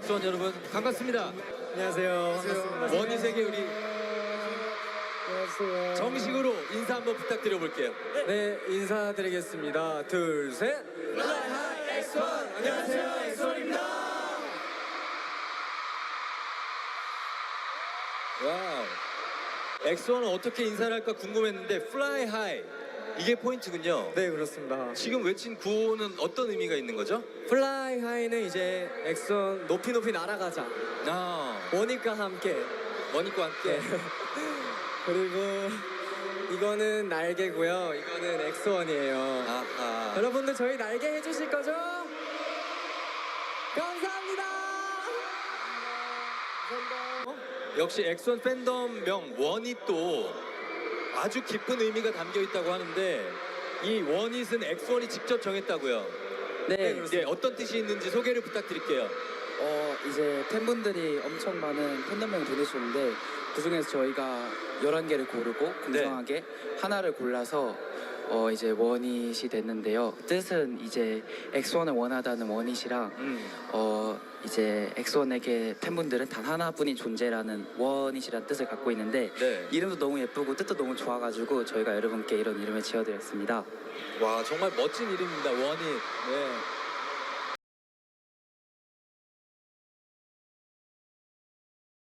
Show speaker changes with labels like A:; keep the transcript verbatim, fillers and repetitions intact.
A: 엑소원 여러분 반갑습니다.
B: 안녕하세요. 반갑습니다.
A: 원희 세계 우리
B: 안녕하세요.
A: 정식으로 인사 한번 부탁드려 볼게요.
B: 네, 인사드리겠습니다. 둘, 셋.
A: 플라이 하이 엑소원. 안녕하세요, 엑소원입니다. 와우. 엑소원은 어떻게 인사를 할까 궁금했는데 플라이 하이 이게 포인트군요.
B: 네, 그렇습니다.
A: 지금 외친 구호는 어떤 의미가 있는 거죠?
B: 플라이 하이는 이제 엑소원 높이 높이 날아가자.
A: 아,
B: 원희과 함께.
A: 원희과 함께.
B: 그리고 이거는 날개고요. 이거는 엑소원이에요.
A: 아하.
B: 여러분들 저희 날개 해주실 거죠? 감사합니다.
A: 역시 엑소원 팬덤명 원이 또 아주 깊은 의미가 담겨 있다고 하는데 이 원잇은 엑소원이 직접 정했다고요.
C: 네,
A: 네, 어떤 뜻이 있는지 소개를 부탁드릴게요.
C: 어 이제 팬분들이 엄청 많은 팬덤명을 보내주셨는데 그 중에서 저희가 열한 개를 고르고 공정하게 하나를 골라서 어 이제 원잇이 됐는데요. 뜻은 이제 엑소원을 원하다는 원잇이랑
A: 음.
C: 어 이제 엑소원에게 팬분들은 단 하나뿐인 존재라는 원잇이라는 뜻을 갖고 있는데
A: 네.
C: 이름도 너무 예쁘고 뜻도 너무 좋아가지고 저희가 여러분께 이런 이름을 지어드렸습니다.
A: 와, 정말 멋진 이름입니다. 원잇. 네.